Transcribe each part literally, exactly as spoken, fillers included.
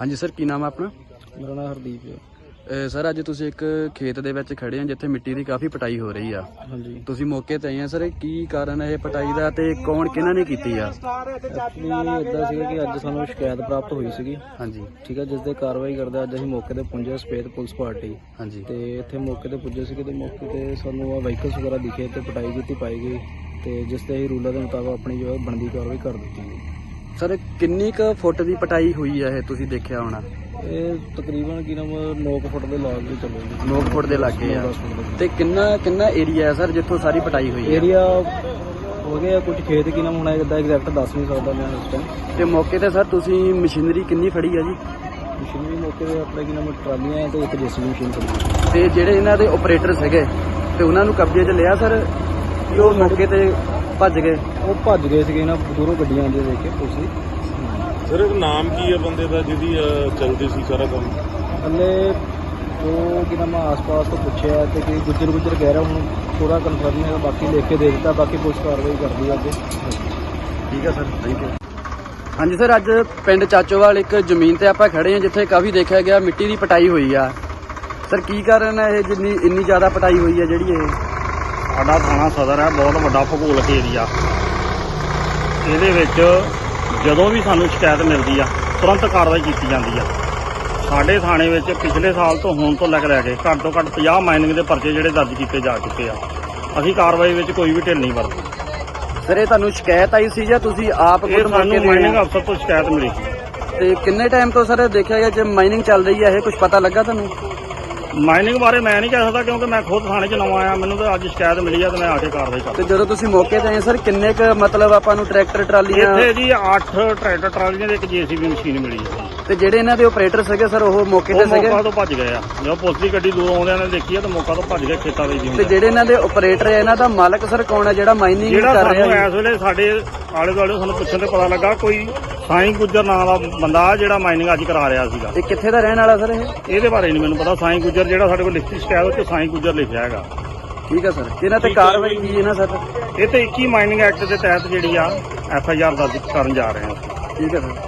हाँ जी सर, की नाम है अपना? मेरा नाम हरदीप है। सर अज तुसीं एक खेत दे विच खड़े हैं जिथे मिट्टी की काफ़ी पटाई हो रही है। हाँ जी, तुसीं मौके ते आए हैं सर, की कारण है पटाई का ते कौन किन्हां ने कीती आ? एक्चुअली इदा सीगा कि अज सानूं शिकायत प्राप्त हुई सीगी। हाँ जी, ठीक है, जिस दे कार्रवाई करदे अज असीं मौके ते पुंजे सफेद पुलिस पार्टी हाँ जी, ते इत्थे मौके ते पुज्जे सीगे ते मौके ते सानूं व्हीकल्स वगैरह दिखे ते पटाई कीती पाई गई ते जिस ते असीं रूलर दे मुताबिक अपनी जो है बनदी कार्रवाई कर दित्ती गई। सर किन्नी क फुट की पटाई हुई है तुसीं देखिया होना? ਇਹ ਤਕਰੀਬਨ ਕੀ ਨਾਮ नौ ਫੁੱਟ ਦੇ ਲਾਗ ਵੀ ਚੱਲੇਗੀ। नौ फुट के लागे आ ते किन्ना किन्ना एरिया है सर जिथों सारी पटाई हुई है? ਏਰੀਆ ਹੋ ਗਿਆ ਕੁਝ ਖੇਤ ਕੀ ਨਾਮ ਹੁਣ ਇਹਦਾ ਐਗਜ਼ੈਕਟ ਦੱਸ ਨਹੀਂ ਸਕਦਾ ਮੈਂ ਇਸ ਟਾਈਮ। ਤੇ ਮੌਕੇ ਤੇ ਸਰ ਤੁਸੀਂ ਮਸ਼ੀਨਰੀ ਕਿੰਨੀ ਫੜੀ ਹੈ ਜੀ? ਮਸ਼ੀਨਰੀ ਮੌਕੇ ਤੇ ਆਪਣੇ ਕੀ ਨਾਮ ਟਰਾਲੀਆਂ ਤੇ ਇੱਕ ਜੇਸੀਬੀ ਮਸ਼ੀਨ ਖੜੀ। ਤੇ ਜਿਹੜੇ ਇਹਨਾਂ ਦੇ ਆਪਰੇਟਰ ਸੀਗੇ ਤੇ ਉਹਨਾਂ ਨੂੰ ਕਬਜ਼ੇ 'ਚ ਲਿਆ ਸਰ ਕਿ ਉਹ ਮੌਕੇ ਤੇ ਭੱਜ ਗਏ? ਉਹ ਭੱਜ ਗਏ ਸੀਗੇ ਨਾ, ਦੂਰੋਂ ਗੱਡੀਆਂ ਆਉਂਦੀਆਂ ਦੇਖ ਕੇ ਪੁਲਿਸ ਦੀ। ਸਰ ਇੱਕ ਨਾਮ ਕੀ ਹੈ ਬੰਦੇ ਦਾ ਜਿਹਦੀ ਚਲਦੀ ਸੀ ਸਾਰਾ ਕੰਮ? ਹਲੇ ਉਹ ਕਿ ਨਾਮ ਆਸ-ਪਾਸ ਤੋਂ ਪੁੱਛਿਆ ਤੇ ਕਿ ਗੁੱਜਰ ਗੁੱਜਰ ਕਹਿ ਰਿਹਾ, ਹੁਣ ਪੂਰਾ ਕਨਫਰਮ ਨਹੀਂ ਹੈ, ਬਾਕੀ ਲਿਖ ਕੇ ਦੇ ਦਿੱਤਾ, ਬਾਕੀ ਪੁਲਿਸ ਕਾਰਵਾਈ ਕਰਦੀ ਹੈ ਅੱਗੇ। ਠੀਕ ਹੈ ਸਰ, ਥੈਂਕ ਯੂ। ਹਾਂਜੀ ਸਰ, ਅੱਜ ਪਿੰਡ ਚਾਚੋਵਾਲ ਇੱਕ ਜ਼ਮੀਨ ਤੇ ਆਪਾਂ ਖੜੇ ਹਾਂ ਜਿੱਥੇ ਕਾਫੀ ਦੇਖਿਆ ਗਿਆ ਮਿੱਟੀ ਦੀ ਪਟਾਈ ਹੋਈ ਆ। ਸਰ ਕੀ ਕਾਰਨ ਹੈ ਇਹ ਜਿੰਨੀ ਇੰਨੀ ਜ਼ਿਆਦਾ ਪਟਾਈ ਹੋਈ ਹੈ ਜਿਹੜੀ ਇਹ? ਸਾਡਾ ਥਾਣਾ ਸਦਰ ਹੈ, ਬਹੁਤ ਵੱਡਾ ਭੂਗੋਲਿਕ ਏਰੀਆ। ਇਹਦੇ ਵਿੱਚ ਜਦੋਂ ਵੀ ਸਾਨੂੰ ਸ਼ਿਕਾਇਤ ਮਿਲਦੀ ਆ ਤੁਰੰਤ ਕਾਰਵਾਈ ਕੀਤੀ ਜਾਂਦੀ ਆ। ਸਾਡੇ ਥਾਣੇ ਵਿੱਚ ਪਿਛਲੇ ਸਾਲ ਤੋਂ ਹੁਣ ਤੋਂ ਲੈ ਕੇ ਲੈ ਕੇ ਘੱਟ ਤੋਂ ਘੱਟ ਪੰਜਾਹ ਮਾਈਨਿੰਗ ਦੇ ਪਰਚੇ ਜਿਹੜੇ ਦਰਜ ਕੀਤੇ ਜਾ ਚੁੱਕੇ ਆ। ਅਸੀਂ ਕਾਰਵਾਈ ਵਿੱਚ ਕੋਈ ਵੀ ਢਿੱਲ ਨਹੀਂ ਵਰਤਦੇ। ਸਰ ਇਹ ਤੁਹਾਨੂੰ ਸ਼ਿਕਾਇਤ ਆਈ ਸੀ ਜਾਂ ਤੁਸੀਂ ਆਪ ਇਹ ਸਾਨੂੰ ਮਾਈਨਿੰਗ ਅਫਸਰ ਤੋਂ ਸ਼ਿਕਾਇਤ ਮਿਲੀ ਸੀ। ਤੇ ਕਿੰਨੇ ਟਾਈਮ ਤੋਂ ਸਰ ਦੇਖਿਆ ਗਿਆ ਜੇ ਮਾਈਨਿੰਗ ਚੱਲ ਰਹੀ ਹੈ ਇਹ ਕੁਝ ਪਤਾ ਲੱਗਾ ਤੁਹਾਨੂੰ? ਮਾਈਨਿੰਗ ਬਾਰੇ ਮੈਂ ਨਹੀਂ ਕਹਿ ਸਕਦਾ ਕਿਉਂਕਿ ਮੈਂ ਖੁਦ ਥਾਣੇ 'ਚ ਨਵਾਂ ਆਇਆ, ਮੈਨੂੰ ਤਾਂ ਅੱਜ ਸ਼ਿਕਾਇਤ ਮਿਲੀ ਆ ਤੇ ਮੈਂ ਆ ਕੇ ਕਾਰਵਾਈ ਕਰ। ਤੇ ਜਦੋਂ ਤੁਸੀਂ ਮੌਕੇ ਤੇ ਆਏ ਸਰ ਕਿੰਨੇ ਕ ਮਤਲਬ ਆਪਾਂ ਨੂੰ ਟਰੈਕਟਰ ਟਰਾਲੀਆਂ? ਇੱਥੇ ਜੀ ਅੱਠ ਟਰੈਕਟਰ ਟਰਾਲੀਆਂ ਤੇ ਇੱਕ ਜੇਸੀਬੀ ਮਸ਼ੀਨ ਮਿਲੀ ਹੈ। ਤੇ ਜਿਹੜੇ ਇਹਨਾਂ ਦੇ ਆਪਰੇਟਰ ਸੀਗੇ ਸਰ ਉਹ ਮੌਕੇ ਤੇ ਉਹ ਸੀਗੇ? ਮੌਕਾ ਤੋਂ ਭੱਜ ਗਏ ਆ। ਜਦੋਂ ਪੁਲਿਸ ਦੀ ਗੱਡੀ ਦੂਰੋਂ ਆਉਂਦਿਆਂ ਨੇ ਦੇਖੀ ਆ ਤਾਂ ਮੌਕਾ ਤੋਂ ਭੱਜ ਗਏ ਖੇਤਾਂ ਦੇ ਜੀ। ਤੇ ਜਿਹੜੇ ਇਹਨਾਂ ਦੇ ਆਪਰੇਟਰ ਹੈ ਇਹਨਾਂ ਦਾ ਮਾਲਕ ਸਰ ਕੌਣ ਹੈ ਜਿਹੜਾ ਮਾਈਨਿੰਗ ਜਿਹੜਾ ਕਰ ਰਿਹਾ ਸਾਨੂੰ ਹੈ? ਇਸ ਵੇਲੇ ਸਾਡੇ ਆਲੇ ਦੁਆਲੇ ਸਾਨੂੰ ਪੁੱਛਣ ਤੇ ਪਤਾ ਲੱਗਾ ਕੋਈ ਸਾਈਂ ਗੁੱਜਰ ਨਾਂ ਦਾ ਬੰਦਾ ਜਿਹੜਾ ਮਾਈਨਿੰਗ ਅੱਜ ਕਰਾ ਰਿਹਾ ਸੀਗਾ। ਇਹ ਕਿੱਥੇ ਦਾ ਰਹਿਣ ਵਾਲਾ ਸਰ ਇਹ? ਇਹਦੇ ਬਾਰੇ ਨਹੀਂ ਮੈਨੂੰ ਪਤਾ। ਸਾਈਂ ਗੁੱਜਰ ਜਿਹੜਾ ਸਾਡੇ ਕੋਲ ਲਿਖਤੀ ਸ਼ਿਕਾਇਤ ਉੱਤੇ ਸਾਈਂ ਗੁੱਜਰ ਲਿਖਿਆ ਹੈਗਾ। ਠੀਕ ਹੈ ਸਰ, ਇਹਨਾਂ ਤੇ ਕਾਰਵਾਈ ਕੀ ਹੈ ਨਾ ਸਰ? ਇਹ ਤੇ ਇੱਕੀ ਮਾਈਨਿੰਗ ਐਕਟ ਦੇ ਤਹਿਤ ਜਿਹੜੀ ਆ ਐਫ ਆਈ ਆਰ ਦਰਜ ਕਰਨ ਜਾ ਰਹੇ ਹਾਂ। ਠੀਕ ਹੈ ਸਰ।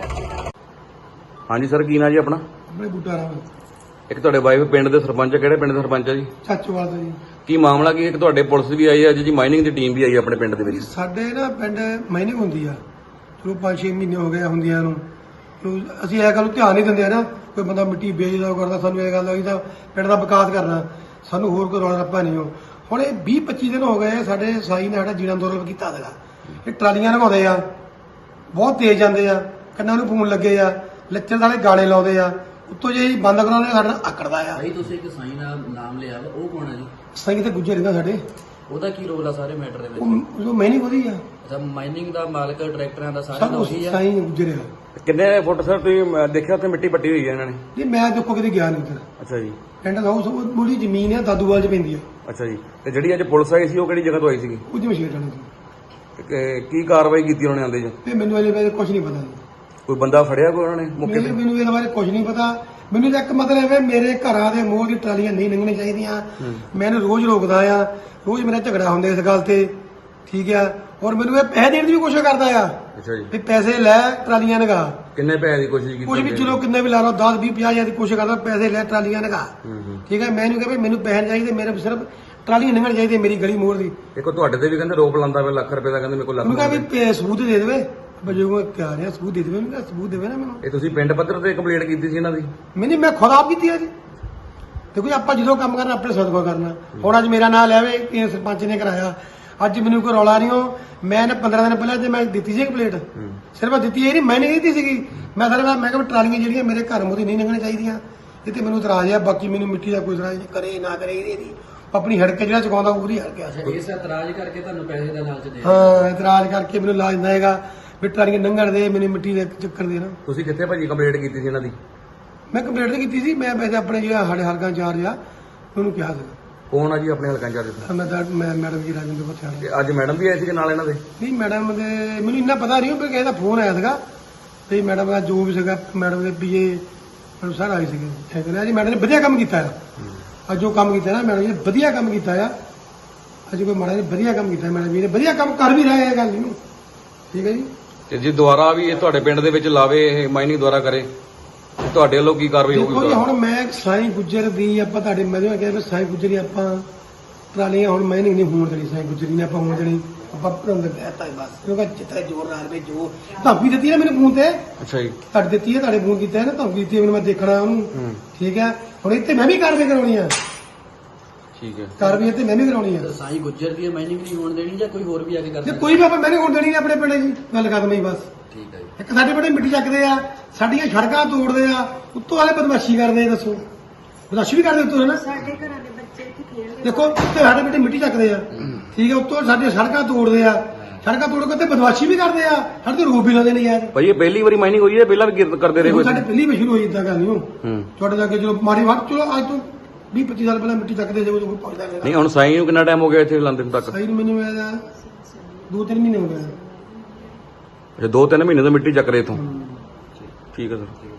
ਹਾਂਜੀ ਸਰ, ਕੀ ਨਾਂ ਜੀ ਆਪਣਾ? ਆਪਣੇ ਬੂਟਾ ਰਾਮ ਇੱਕ ਤੁਹਾਡੇ ਵਾਈਫ ਪਿੰਡ ਦੇ ਸਰਪੰਚ ਆ, ਕਿਹੜੇ ਪਿੰਡ ਦੇ ਸਰਪੰਚ ਆ ਜੀ? ਚਾਚੋਵਾਲ ਦਾ ਜੀ। ਕੀ ਮਾਮਲਾ ਕੀ? ਇੱਕ ਤੁਹਾਡੇ ਪੁਲਿਸ ਵੀ ਆਈ ਹੈ ਅੱਜ ਜੀ, ਮਾਈਨਿੰਗ ਦੀ ਟੀਮ ਵੀ ਆਈ ਹੈ ਆਪਣੇ ਪਿੰਡ ਦੇ ਵਿੱਚ। ਸਾਡੇ ਨਾ ਪਿੰਡ ਮਾਈਨਿੰਗ ਹੁੰਦੀ ਆ, ਚਲੋ ਪੰਜ ਛੇ ਮਹੀਨੇ ਹੋ ਗਏ ਹੁੰਦੀਆਂ ਨੂੰ। ਚਲੋ ਅਸੀਂ ਇਹ ਗੱਲ ਨੂੰ ਧਿਆਨ ਨਹੀਂ ਦਿੰਦੇ ਆ ਨਾ, ਕੋਈ ਬੰਦਾ ਮਿੱਟੀ ਵੇਚਦਾ ਉਹ ਕਰਦਾ, ਸਾਨੂੰ ਇਹ ਗੱਲ ਹੋਈ ਤਾਂ ਪਿੰਡ ਦਾ ਵਿਕਾਸ ਕਰਨਾ, ਸਾਨੂੰ ਹੋਰ ਕੋਈ ਰੌਲਾ ਰੱਪਾ ਨਹੀਂ ਹੋ। ਹੁਣ ਇਹ ਵੀਹ ਪੱਚੀ ਦਿਨ ਹੋ ਗਏ ਸਾਡੇ ਸਾਈ ਨੇ ਸਾਡਾ ਜੀਣਾ ਅੰਦੋਲਨ ਕੀਤਾ ਸੀਗਾ। ਇਹ ਟਰਾਲੀਆਂ ਲਗਾਉਂਦੇ ਆ, ਬਹੁਤ ਤੇਜ਼ ਜਾਂਦੇ ਆ, ਕੰਨਾਂ ਨੂੰ ਫੋਨ ਲੱਗੇ ਆ, ਲੱਚਰ ਵਾਲੇ ਗਾਣੇ ਲਾਉਂਦੇ ਆ, ਉੱਤੋਂ ਜੇ ਬੰਦ ਕਰਾਉਣੇ ਸਾਡੇ ਨਾਲ ਆਕੜਦਾ ਆ। ਭਾਈ ਤੁਸੀਂ ਇੱਕ ਸਾਈਂ ਦਾ ਨਾਮ ਲਿਆ ਵਾ, ਉਹ ਕੌਣ ਹੈ ਜੀ? ਸਾਈ ਤੇ ਗੁੱਜਰ ਰਹਿੰਦਾ ਸਾਡੇ। ਉਹਦਾ ਕੀ ਰੋਲ ਆ ਸਾਰੇ ਮੈਟਰ ਦੇ ਵਿੱਚ? ਉਹ ਮਾਈਨਿੰਗ ਉਹਦੀ ਆ, ਅੱਛਾ, ਮਾਈਨਿੰਗ ਦਾ ਮਾਲਕ ਟਰੈਕਟਰਾਂ ਦਾ ਸਾਰਾ ਸਭ ਦਾ ਕੁਛ ਉਹੀ ਆ? ਸਾਈ ਗੁੱਜਰ ਆ। ਕਿੰਨੇ ਫੁੱਟ ਸਰ ਤੁਸੀਂ ਅਹ, ਦੇਖਿਆ ਉੱਥੇ ਮਿੱਟੀ ਪੱਟੀ ਹੋਈ ਹੈ ਇਹਨਾਂ ਨੇ? ਜੀ ਮੈਂ ਦੇਖੋ ਕਿਤੇ ਗਿਆ ਨਹੀਂ ਉੱਧਰ। ਅੱਛਾ ਜੀ, ਪਿੰਡ ਦਾ ਉਹ ਮੂਲੀ ਜ਼ਮੀਨ ਆ, ਦਾਦੂਵਾਲ ਚ ਪੈਂਦੀ ਆ। ਅੱਛਾ ਜੀ। ਤੇ ਜਿਹੜੀ ਅੱਜ ਪੁਲਿਸ ਆਈ ਸੀ ਉਹ ਕਿਹੜੀ ਜਗ੍ਹਾ ਤੋਂ ਆਈ ਸੀਗੀ? ਉਹਦੀ ਮਸ਼ੀਨ ਚਲਾਉਣੀ ਸੀ ਤੇ ਕਿ- ਕੀ ਕਾਰਵਾਈ ਕੀਤੀ ਉਹਨਾਂ ਨੇ ਆਂਦੇ ਜੀ? ਤੇ ਮੈਨੂੰ ਇਹਦੇ ਬਾਰੇ ਕੁਝ ਨਹੀਂ ਪਤਾ ਜੀ। ਕੋਈ ਬੰਦਾ ਫੜਿਆ ਕੋਈ ਉਹਨਾਂ ਨੇ ਮੌਕੇ ਮੈਨੂੰ ਤੇ? ਮੈਨੂੰ ਇਹਦੇ ਬਾਰੇ ਕੁਝ ਨਹੀਂ ਪਤਾ। ਮੈਨੂੰ ਤਾਂ ਇੱਕ ਮਤਲਬ ਹੈ ਮੇਰੇ ਘਰਾਂ ਦੇ ਮੋਹ ਦੀ ਟਰਾਲੀਆਂ ਨਹੀਂ ਲੰਘਣੀਆਂ ਚਾਹੀਦੀਆਂ। ਮੈਂ ਇਹਨੂੰ ਰੋਜ਼ ਰੋਕਦਾ ਆ, ਰੋਜ਼ ਮੇਰਾ ਝਗੜਾ ਹੁੰਦਾ ਇਸ ਗੱਲ ਤੇ, ਠੀਕ ਆ। ਔਰ ਮੈਨੂੰ ਇਹ ਪੈਸੇ ਦੇਣ ਦੀ ਵੀ ਕੋਸ਼ਿਸ਼ ਕਰਦਾ ਆ ਅੱਛਾ ਜੀ। ਵੀ ਪੈਸੇ ਲੈ ਟਰਾਲੀਆਂ ਲਗਾ। ਕਿੰਨੇ ਪੈਸੇ ਦੀ ਕੋਸ਼ਿਸ਼ ਕੀਤੀ? ਕੁਝ ਵੀ ਚਲੋ ਕਿੰਨੇ ਵੀ ਲਾ ਲਓ, ਦਸ ਵੀਹ ਪੰਜਾਹ ਹਜ਼ਾਰ ਦੀ ਕੋਸ਼ਿਸ਼ ਕਰਦਾ, ਪੈਸੇ ਲੈ ਟਰਾਲੀਆਂ ਲਗਾ, ਠੀਕ ਹੈ। ਮੈਨੂੰ ਕਹਿੰਦਾ ਮੈਨੂੰ ਪੈਸੇ ਚਾਹੀਦੇ, ਮੇਰੇ ਸਿਰਫ ਟਰਾਲੀਆਂ ਲੰਘਣ ਚਾਹੀਦੀ ਮੇਰੀ ਗਲੀ ਮੋੜ ਦੀ। ਦੇਖੋ ਤੁਹਾਡੇ ਤੇ ਵੀ ਕਹਿੰਦੇ ਰੋਪ ਲਾਂਦਾ ਪਿਆ ਲੱਖ ਰੁਪਏ ਦਾ, ਕਹਿੰਦੇ ਮੇਰੇ ਕੋਲ ਲੱਖ ਉਹਨੂੰ ਕਹਾਂ ਰੁਪਏ। ਵੀ ਸਬੂਤ ਦੇ ਦੇਵੇ, ਬਜੂਗਾ ਕਿਆ ਰਿਹਾ ਸਬੂਤ ਦੇ ਦੇਵੇ, ਉਹਨੂੰ ਕਿਹਾ ਸਬੂਤ ਦੇਵੇ ਨਾ ਮੈਨੂੰ। ਇਹ ਤੁਸੀਂ ਪਿੰਡ ਪੱਧਰ ਤੇ ਕੰਪਲੇਂਟ ਕੀਤੀ ਸੀ ਇਹਨਾਂ ਦੀ? ਮੈਨੇ ਮੈਂ ਖੁਦ ਆਪ ਕੀਤੀ ਹੈ ਜੀ। ਦੇਖੋ ਜੀ ਆਪਾਂ ਜਦੋਂ ਕੰਮ ਕਰਨਾ ਆਪਣੇ ਸਦਕਾ ਕਰਨਾ। ਹੁਣ ਅੱਜ ਮੇਰਾ ਨਾਂ ਲੈਵੇ ਕਿ ਸਰਪੰਚ ਨੇ ਕਰਾਇਆ, ਅੱਜ ਮੈਨੂੰ ਕੋਈ ਰੌਲਾ ਨਹੀਂ ਹੋ। ਮੈਂ ਪੰਦਰਾਂ ਦਿਨ ਪਹਿਲਾਂ ਤੇ ਮੈਂ ਦਿੱਤੀ ਸੀ ਕੰਪਲੇਂਟ, ਸਿਰਫ ਦਿੱਤੀ ਇਹ ਨਹੀਂ ਮੈਂ ਨਹੀਂ ਦਿੱਤੀ ਸੀਗੀ। ਮੈਂ ਸਾਰੇ ਮੈਂ ਕਿਹਾ ਟਰਾਲੀਆਂ ਜਿਹੜੀਆਂ ਮੇਰੇ ਘਰ ਮੋਦੀ ਨਹੀਂ ਲੰਘਣੀਆਂ ਚਾਹੀਦੀਆਂ, ਇਹ ਤੇ ਮੈਨੂੰ ਇਤਰਾਜ਼ ਆ। ਬਾਕੀ ਮੈਨੂੰ ਮਿੱਟੀ ਦਾ ਕੋਈ ਇਤਰਾਜ਼ ਨਹੀਂ, ਕਰੇ ਨਾ ਕਰੇ ਇਹਦੀ ਆਪਣੀ ਹੜਕੇ ਜਿਹੜਾ ਚੁਕਾਉਂਦਾ ਪੂਰੀ ਹੜਕੇ ਆ। ਇਸ ਇਤਰਾਜ਼ ਕਰਕੇ ਤੁਹਾਨੂੰ ਪੈਸੇ ਦਾ ਲਾਲਚ ਦੇ? ਹਾਂ, ਇਤਰਾਜ਼ ਕਰਕੇ ਮੈਨੂੰ ਲਾਜ ਨਾ ਹੈਗਾ ਵੀ ਟਰਾਲੀਆਂ ਲੰਘਣ ਦੇ, ਮੈਨੂੰ ਮਿੱਟੀ ਦੇ ਚੱਕਰ ਦੇ ਨਾ। ਤੁਸੀਂ ਕਿੱਥੇ ਭਾਜੀ ਕੰਪਲੇਂਟ ਕੀਤੀ ਸੀ ਇਹਨਾਂ ਦੀ? ਮੈਂ ਕੰਪਲੇਂਟ ਤਾਂ ਕੀਤੀ ਸੀ, ਮੈਂ ਵੈਸੇ ਆਪਣੇ ਜਿਹੜਾ ਸਾਡੇ ਹਲਕਾ ਇੰਚਾਰਜ ਆ ਉਹਨੂੰ ਕਿਹਾ ਸੀ। ਕੌਣ ਆ ਜੀ ਆਪਣੇ ਹਲਕਾ ਇੰਚਾਰਜ? ਮੈਂ ਤਾਂ ਮੈਂ ਮੈਡਮ ਜੀ ਰਾਜਿੰਦਰ ਪਠਿਆਣਾ। ਤੇ ਅੱਜ ਮੈਡਮ ਵੀ ਆਏ ਸੀ ਨਾਲ ਇਹਨਾਂ ਦੇ? ਨਹੀਂ ਮੈਡਮ ਦੇ ਮੈਨੂੰ ਇੰਨਾ ਪਤਾ ਨਹੀਂ, ਪਰ ਕਿਸੇ ਦਾ ਫੋਨ ਆਇਆ ਸੀਗਾ ਤੇ ਮੈਡਮ ਦਾ ਜੋ ਵੀ ਸੀਗਾ, ਮੈਡਮ ਦੇ ਪੀਏ ਮੈਨੂੰ ਸਾਰਾ ਆਏ ਸੀਗੇ। ਕਹਿੰਦੇ ਜੀ ਮੈਡਮ ਨੇ ਵਧੀਆ ਕੰਮ ਕੀਤਾ ਆ, ਅੱਜ ਜੋ ਕੰਮ ਕੀਤਾ ਨਾ ਮੈਡਮ ਜੀ ਨੇ ਵਧੀਆ ਕੰਮ ਕੀਤਾ ਆ। ਅੱਜ ਕੋਈ ਮਾੜਾ ਨਹੀਂ, ਵਧੀਆ ਕੰਮ ਕੀਤਾ ਮੈਡਮ ਜੀ ਨੇ, ਵਧੀਆ ਕੰਮ ਕਰ ਵੀ ਰਹੇ ਆ, ਗੱਲ ਨਹੀਂ। ਠੀਕ ਹੈ ਜੀ। ਤੇ ਜੇ ਦੁਬਾਰਾ ਵੀ ਇਹ ਤੁਹਾਡੇ ਪਿੰਡ ਦੇ ਵਿੱਚ ਲਾਵੇ, ਇਹ ਮਾਈਨਿੰਗ ਦੁਬਾਰਾ ਕਰੇ ਤੇ ਤੁਹਾਡੇ ਵੱਲੋਂ ਕੀ ਕਾਰਵਾਈ ਦੇਖੋ ਜੀ ਹੋਊਗੀ ਹੁਣ ਮੈਂ ਸਾਈਂ ਗੁੱਜਰ ਦੀ ਆਪਾਂ ਤੁਹਾਡੇ ਮੈਂ ਕਿਹਾ ਵੀ ਸਾਈਂ ਗੁੱਜਰ ਦੀ ਆਪਾਂ ਟਰਾਲੀਆਂ ਹੁਣ ਮੈਂ ਨਹੀਂ ਹੋਣ ਦੇਣੀ ਸਾਈਂ ਗੁੱਜਰ ਦੀ ਨੇ ਆਪਾਂ ਹੋਣ ਦੇਣੀ ਆਪਾਂ ਭਰੰਦ ਕਹਿਤਾ ਹੈ ਬਸ ਕਿਉਂਕਿ ਜਿੱਥੇ ਜ਼ੋਰ ਨਾਲ ਵੇ ਜੋ ਧਮਕੀ ਦਿੱਤੀ ਹੈ ਮੈਨੂੰ ਫੋਨ ਤੇ ਅੱਛਾ ਜੀ ਤੁਹਾਡੇ ਦਿੱਤੀ ਹੈ ਤੁਹਾਡੇ ਫੋਨ ਕੀਤਾ ਹੈ ਨਾ ਧਮਕੀ ਦਿੱਤੀ ਹੈ ਮੈਨੂੰ ਮੈਂ ਦੇਖਣਾ ਉਹਨੂੰ ਠੀਕ ਹੈ ਹੁਣ ਇੱਥੇ ਮੈਂ ਵੀ ਕਾਰਵਾਈ ਕਰਾਉਣੀ ਆ ਠੀਕ ਹੈ ਕਾਰਵਾਈ ਇੱਥੇ ਮੈਂ ਵੀ ਕਰਾਉਣੀ ਆ ਤਾਂ ਸਾਈ ਗੁੱਜਰ ਦੀ ਮਾਈਨਿੰਗ ਨਹੀਂ ਹੋਣ ਦੇਣੀ ਜਾਂ ਕੋਈ ਹੋਰ ਵੀ ਆ ਕੇ ਕਰ ਜੇ ਸਕਦਾ? ਕੋਈ ਵੀ ਆਪਾਂ ਮੈਂ ਨਹੀਂ ਹੋਣ ਦੇਣੀ ਆਪਣੇ ਪਿੰਡ ਜੀ ਗੱਲ ਖਤਮ ਹੀ ਬਸ ਠੀਕ ਹੈ ਜੀ। ਇੱਕ ਸਾਡੇ ਪਿੰਡ ਮਿੱਟੀ ਚੱਕਦੇ ਆ ਸਾਡੀਆਂ ਸੜਕਾਂ ਤੋੜਦੇ ਆ ਉੱਤੋਂ ਵਾਲੇ ਬਦਮਾਸ਼ੀ ਕਰਦੇ ਆ ਦੱਸੋ ਬਦਮਾਸ਼ੀ ਵੀ ਕਰਦੇ ਉੱਤੋਂ ਹੈ ਨਾ ਸਾਡੇ ਘਰਾਂ ਦੇ ਬੱਚੇ ਇੱਥੇ ਖੇਡਦੇ ਦੇਖੋ ਉੱਤੇ ਸਾਡੇ ਪਿੰਡ ਮਿੱਟੀ ਚੱਕਦੇ ਆ ਠੀਕ ਹੈ ਉੱਤੋਂ ਸਾਡੇ ਸੜਕਾਂ ਤੋੜਦੇ ਆ ਸੜਕਾਂ ਤੋੜ ਕੇ ਉੱਤੇ ਬਦਮਾਸ਼ੀ ਵੀ ਕਰਦੇ ਆ ਸਾਡੇ ਤੇ ਰੋਬ ਵੀ ਲਾਉਂਦੇ ਨੇ ਯਾਰ ਭਾਈ ਇਹ ਪਹਿਲੀ ਵਾਰੀ ਮਾਈਨਿੰਗ ਹੋਈ ਹੈ ਪਹਿਲਾਂ ਵੀ ਕਿਰ- ਕਰਦੇ ਰਹੇ ਦੇਖੋ ਕੋਈ ਸਾਡੇ ਪਹਿਲੀ ਵੀ ਸ਼ੁਰੂ ਹੋਈ ਇਦਾਂ ਗੱਲ ਨਹੀਂ ਹੂੰ ਤੁਹਾਡੇ ਲਾਗੇ ਚਲੋ ਮਾੜੀ ਵਾਟ ਚਲੋ ਅੱਜ ਤੋਂ ਵੀਹ ਪੱਚੀ ਸਾਲ ਪਹਿਲਾਂ ਮਿੱਟੀ ਚੱਕਦੇ ਜਦੋਂ ਕੋਈ ਪਹੁੰਚਦਾ ਨਹੀਂ ਹੁਣ ਸਾਈਂ ਨੂੰ ਕਿੰਨਾ ਟਾਈਮ ਹੋ ਗਿਆ ਇੱਥੇ ਲਾਉਂਦੇ ਨੂੰ ਤੱਕ ਸਹੀ ਮੈਨੂੰ ਇਹਦਾ ਦੋ ਤਿੰਨ ਮਹੀਨੇ ਹੋ ਗਏ ਅੱਛਾ ਦੋ ਤਿੰਨ ਮਹੀਨੇ ਤੋਂ ਮਿੱਟੀ ਚੱਕ ਰਹੇ ਇਥੋਂ ਠੀਕ ਹੈ ਸਰ